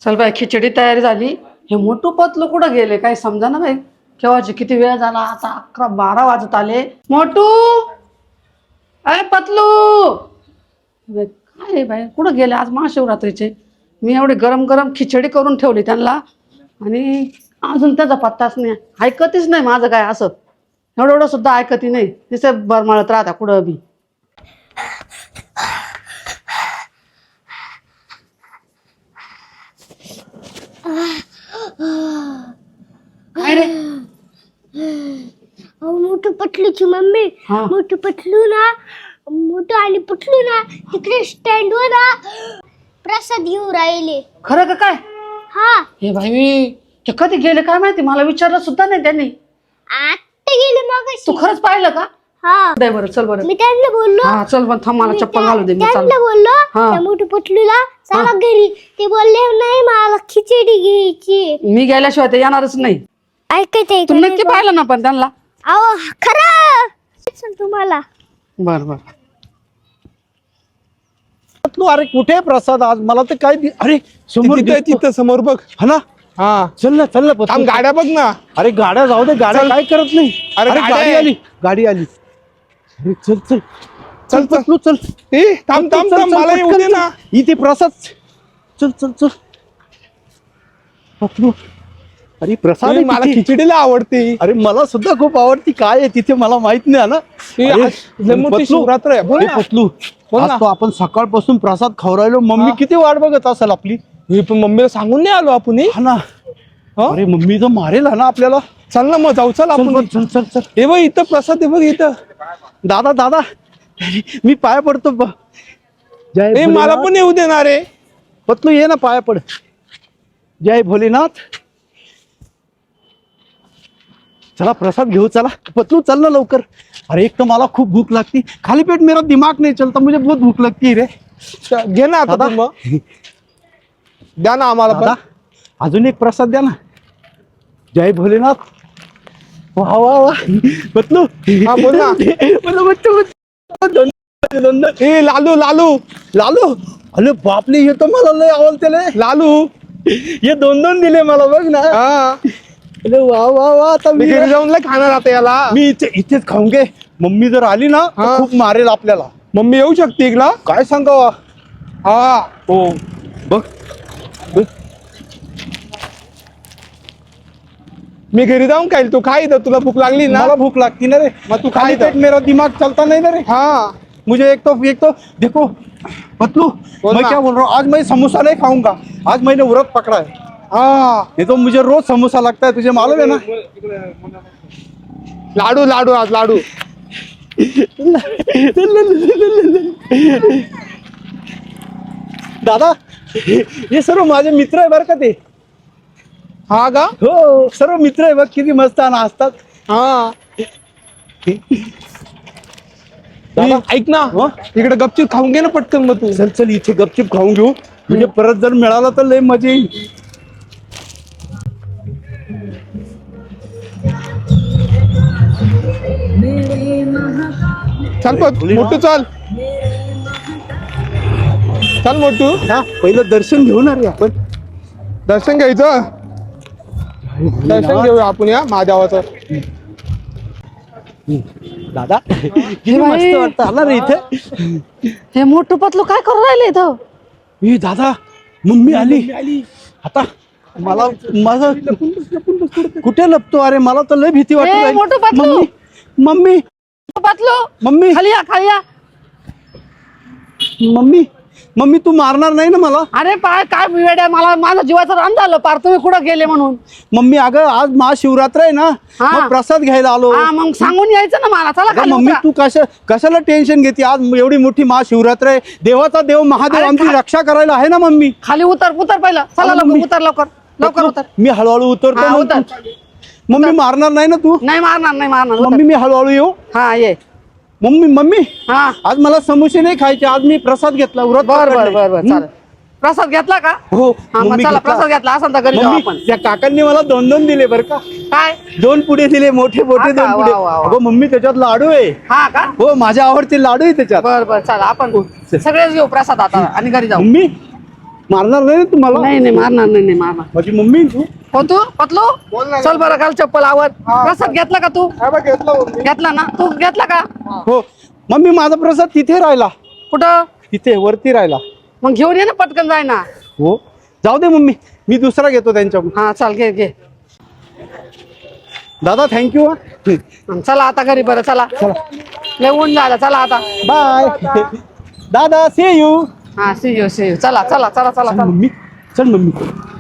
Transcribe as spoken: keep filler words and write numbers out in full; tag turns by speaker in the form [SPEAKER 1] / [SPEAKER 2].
[SPEAKER 1] चल बाई खिचडी तयारी झाली. हे मोठू पतलू कुठं गेले काही समजा ना बाई. केव्हाचे किती वेळ झाला आता अकरा बारा वाजत आले. मोठू अय पतलू काय बाई कुठं गेले आज महाशिवरात्रीचे. मी एवढी गरम गरम खिचडी करून ठेवली त्यांना आणि अजून त्याचा पत्ताच नाही. ऐकतच नाही माझं काय असं एवढं एवढं सुद्धा ऐकती नाही. तिथे बरमाळत राहता कुठं बी. काय रे
[SPEAKER 2] मोठू पटलूची मम्मी
[SPEAKER 1] हा.
[SPEAKER 2] मोठू पटलू ना मोठू आणि पटलू ना तिकडे स्टँड वर ना प्रसाद घेऊन राहिले.
[SPEAKER 1] खरं का काय.
[SPEAKER 2] हा
[SPEAKER 1] हे भाई ते कधी गेले काय माहिती मला विचारलं सुद्धा नाही त्यांनी.
[SPEAKER 2] आता गेले मग.
[SPEAKER 1] तू खरंच पाहिलं का.
[SPEAKER 2] हा
[SPEAKER 1] दे बरं चल बरं.
[SPEAKER 2] मी त्यांना बोललो
[SPEAKER 1] हा चल पण थांब मला
[SPEAKER 2] मी
[SPEAKER 1] चप्पल
[SPEAKER 2] त्या-
[SPEAKER 1] घालू दे. मी चाल
[SPEAKER 2] त्यांना बोललो
[SPEAKER 1] हा.
[SPEAKER 2] त्या मोठू पटलूला चला घरी. ते बोलले नाही मला खिचडी घ्यायची.
[SPEAKER 1] मी गेल्याशिवाय ते येणारच नाही.
[SPEAKER 2] ऐकायचंय
[SPEAKER 1] तू नक्की पाहिलं ना पण त्यांना.
[SPEAKER 2] अहो खरं तुम्हाला.
[SPEAKER 1] बर बर
[SPEAKER 3] तू अरे कुठे प्रसाद आज मला तर काय दि- अरे समोर
[SPEAKER 4] तिथं
[SPEAKER 3] दिसतो.
[SPEAKER 4] तिथं समोर बघ.
[SPEAKER 3] हा ना
[SPEAKER 4] हा
[SPEAKER 3] चल ना चल ना पत्तू.
[SPEAKER 4] थांब गाड्या बघ ना.
[SPEAKER 3] अरे गाड्या जाऊ दे गाड्या
[SPEAKER 4] चल.
[SPEAKER 3] काय करत नाही.
[SPEAKER 4] अरे
[SPEAKER 3] अरे
[SPEAKER 4] गाड्या
[SPEAKER 3] गाडी
[SPEAKER 4] आहे.
[SPEAKER 3] आली गाडी आली. अरे चल चल
[SPEAKER 4] चल
[SPEAKER 3] चल पत्तू चल.
[SPEAKER 4] ए थांब
[SPEAKER 3] पत्तू,
[SPEAKER 4] थांब
[SPEAKER 3] चल,
[SPEAKER 4] थांब
[SPEAKER 3] चल,
[SPEAKER 4] मला येऊ
[SPEAKER 3] पटकन
[SPEAKER 4] दे
[SPEAKER 3] चल.
[SPEAKER 4] ना.
[SPEAKER 3] इथे प्रसाद चल चल चल पत्तू. अरे प्रसाद
[SPEAKER 4] ए,
[SPEAKER 3] आहे
[SPEAKER 4] मला
[SPEAKER 3] तिथे.
[SPEAKER 4] खिचडीला आवडते.
[SPEAKER 3] अरे मला सुद्धा खूप आवडती. काय आहे तिथे मला माहित नाही ना.
[SPEAKER 4] ए,
[SPEAKER 3] अरे,
[SPEAKER 4] आज लय मोठी
[SPEAKER 3] पत्तू,
[SPEAKER 4] शिवरात्र आहे. बोल
[SPEAKER 3] हे
[SPEAKER 4] ना.
[SPEAKER 3] पत्तू
[SPEAKER 4] बोल
[SPEAKER 3] आज
[SPEAKER 4] ना.
[SPEAKER 3] तो आपण सकाळपासून प्रसाद खाऊ राहिलो. मम्मी
[SPEAKER 4] हा.
[SPEAKER 3] किती वाट बघत असेल आपली.
[SPEAKER 4] हे पण मम्मीला सांगून नाही आलो आपण हे.
[SPEAKER 3] हा ना.
[SPEAKER 4] हा?
[SPEAKER 3] अरे मम्मी तर मारेल हा ना आपल्याला.
[SPEAKER 4] चल ना मग जाऊ चल
[SPEAKER 3] चल
[SPEAKER 4] आपण.
[SPEAKER 3] बघ, चल चल चल.
[SPEAKER 4] हे बघ इथं प्रसाद आहे बघ इथं.
[SPEAKER 3] दादा दादा मी पाया पडतो ब- जय
[SPEAKER 4] ए मला
[SPEAKER 3] भोलेनाथ.
[SPEAKER 4] पण येऊ देणार रे.
[SPEAKER 3] पतलू ये ना पाया पड. जय भोलेनाथ. चला प्रसाद घेऊ चला. पतलू चल ना लवकर. अरे एक तर मला खूप भूक लागती. खाली पेट मेरा दिमाग नहीं चलता. मुझे बहुत भूक लगती है रे.
[SPEAKER 4] च- घे ना आता
[SPEAKER 3] दादा.
[SPEAKER 4] तू मग. द्या ना आम्हाला
[SPEAKER 3] दादा
[SPEAKER 4] पण.
[SPEAKER 3] अजून एक प्रसाद द्या ना. जय भोलेनाथ. वा वा वा पतलू.
[SPEAKER 4] हा, बोल ना.
[SPEAKER 3] मला बच्चू दोन दोन
[SPEAKER 4] ए लालू लालू
[SPEAKER 3] लालू. अरे बापले हे तर मला लय आवडते रे.
[SPEAKER 4] लालू.
[SPEAKER 3] हे दोन दोन दिले मला बघ ना.
[SPEAKER 4] हा
[SPEAKER 3] अरे वा वा वा आता
[SPEAKER 4] मी
[SPEAKER 3] मी
[SPEAKER 4] घरी जाऊन लय खाणार आता याला.
[SPEAKER 3] मी इथे इथेच खाऊन घे. मम्मी जर आली ना तर
[SPEAKER 4] हा.
[SPEAKER 3] खूप मारेल आपल्याला.
[SPEAKER 4] मम्मी येऊ शकते इकडं.
[SPEAKER 3] काय सांगावा.
[SPEAKER 4] हा
[SPEAKER 3] हो बघ बघ.
[SPEAKER 4] मी घरी जाऊन खाईल. तू खा इथं. तुला भूक लागली ना.
[SPEAKER 3] मला भूख लागती ना रे.
[SPEAKER 4] मग तू खा
[SPEAKER 3] खाली
[SPEAKER 4] इथं.
[SPEAKER 3] पेट मेरा दिमाग चलता नहीं ना रे.
[SPEAKER 4] हाँ
[SPEAKER 3] मुझे एक तो एक तो देखो पतलू
[SPEAKER 4] बोल
[SPEAKER 3] मैं
[SPEAKER 4] ना.
[SPEAKER 3] क्या बोल रहा हूँ. आज मैं समोसा नहीं खाऊंगा. आज मैंने व्रत पकड़ा है.
[SPEAKER 4] हाँ
[SPEAKER 3] ये तो मुझे रोज समोसा लगता है. तुझे मालूम है ना.
[SPEAKER 4] लाडू लाडू आज लाडू.
[SPEAKER 3] दादा हे सर्व माझे मित्र आहे बरं का ते.
[SPEAKER 4] हा का.
[SPEAKER 3] हो सर्व मित्र आहे बघ किती मस्त नाचतात.
[SPEAKER 4] हा
[SPEAKER 3] दादा.
[SPEAKER 4] ए, ऐक ना.
[SPEAKER 3] हा?
[SPEAKER 4] इकडे गपचूप खाऊन घे ना पटकन मग तू.
[SPEAKER 3] चल चल इथे गपचिप खाऊन घेऊ. म्हणजे परत जर मिळाला तर लय मजा येईल.
[SPEAKER 4] चल पट मोठू चल. चल मोठू.
[SPEAKER 3] हा पहिलं दर्शन घेऊ ना रे आपण.
[SPEAKER 4] दर्शन घ्यायचं. दर्शन घेऊया आपण या महादेवाचं.
[SPEAKER 3] दादा किती
[SPEAKER 1] हे बाई.
[SPEAKER 3] मस्त वाटतं आला रे इथे.
[SPEAKER 1] हे मोठू पतलू काय करू राहिले इथं.
[SPEAKER 3] ए दादा मम्मी आली आता. मला माझं कुठे लपतो. अरे मला तर लय भीती
[SPEAKER 1] ए,
[SPEAKER 3] वाटत.
[SPEAKER 1] Motu Patlu.
[SPEAKER 3] Mummy mummy
[SPEAKER 1] Patlu
[SPEAKER 3] mummy
[SPEAKER 1] खाली या खाली या.
[SPEAKER 3] मम्मी मम्मी तू मारणार नाही ना मला.
[SPEAKER 1] अरे पाय काय वेड्या मला माझं जीवाचं रान झालं पार तुम्ही कुठं गेले म्हणून.
[SPEAKER 3] मम्मी अगं आज महाशिवरात्र आहे ना.
[SPEAKER 1] हा.
[SPEAKER 3] मग प्रसाद घ्यायला आलो.
[SPEAKER 1] हा मग सांगून यायचं ना मला. चला
[SPEAKER 3] अगं
[SPEAKER 1] खाली
[SPEAKER 3] मम्मी
[SPEAKER 1] उतरा.
[SPEAKER 3] तू कशा कशाला टेन्शन घेते. आज एवढी मोठी महाशिवरात्र आहे. देवाचा देव महादेव
[SPEAKER 1] अरे
[SPEAKER 3] आमची
[SPEAKER 1] खा-
[SPEAKER 3] रक्षा करायला आहे ना मम्मी.
[SPEAKER 1] खाली उतर उतर पहिलं. चला
[SPEAKER 3] अगं
[SPEAKER 1] लवकर
[SPEAKER 3] मम्मी.
[SPEAKER 1] उतर लवकर लवकर उतर.
[SPEAKER 3] मी हळूहळू उतरतो.
[SPEAKER 1] हा,
[SPEAKER 3] मग
[SPEAKER 1] उतर.
[SPEAKER 3] तू- मम्मी मारणार नाही ना तू.
[SPEAKER 1] नाही मारणार नाही मारणार उतर.
[SPEAKER 3] मम्मी मी हळूहळू येऊ.
[SPEAKER 1] हा ये.
[SPEAKER 3] मम्मी मम्मी
[SPEAKER 1] हा
[SPEAKER 3] आज मला समोसे नाही खायचे. आज मी प्रसाद घेतला. व्रत
[SPEAKER 1] बर बर
[SPEAKER 3] पकडलंय.
[SPEAKER 1] बर बर चालेल. प्रसाद घेतला का.
[SPEAKER 3] हो
[SPEAKER 1] हा मग
[SPEAKER 3] मम्मी
[SPEAKER 1] चला
[SPEAKER 3] घेतला.
[SPEAKER 1] प्रसाद घेतला असं तर घरी जाऊ
[SPEAKER 3] मम्मी
[SPEAKER 1] आपण.
[SPEAKER 3] त्या काकांनी मला दोन दोन दिले बरं का.
[SPEAKER 1] काय
[SPEAKER 3] दोन पुढे दिले मोठे मोठे
[SPEAKER 1] हा का?
[SPEAKER 3] दोन पुढे.
[SPEAKER 1] वा, वा, वा.
[SPEAKER 3] अगं मम्मी त्याच्यात लाडू आहे.
[SPEAKER 1] हा का.
[SPEAKER 3] हो माझ्या आवडते लाडू आहे त्याच्यात.
[SPEAKER 1] बर बर चला आपण सगळेच घेऊ प्रसाद आता आणि घरी जाऊ.
[SPEAKER 3] मम्मी मारणार नाही ना तुम्हाला?
[SPEAKER 1] नाही नाही मारणार नाही नाही मारणार.
[SPEAKER 3] माझी मम्मी आहे तू.
[SPEAKER 1] हो तू पतलो चल बरं घाल चप्पल आवर. प्रसाद घेतला का तू? घेतला ना तू घेतला का?
[SPEAKER 3] हो मम्मी माझा प्रसाद तिथे राहिला.
[SPEAKER 1] कुठं?
[SPEAKER 3] तिथे वरती राहिला.
[SPEAKER 1] मग घेऊन ये ना पटकन जाय ना.
[SPEAKER 3] हो जाऊ दे मम्मी मी दुसरा घेतो त्यांच्या.
[SPEAKER 1] हा चाल घे घे.
[SPEAKER 3] दादा थँक्यू.
[SPEAKER 1] चला आता घरी बरं चला. लय ऊन झालं चला आता.
[SPEAKER 3] बाय दादा सी यू.
[SPEAKER 1] हा सी यू सी यू. चला चला चला चला चला.
[SPEAKER 3] मम्मी चल मम्मी.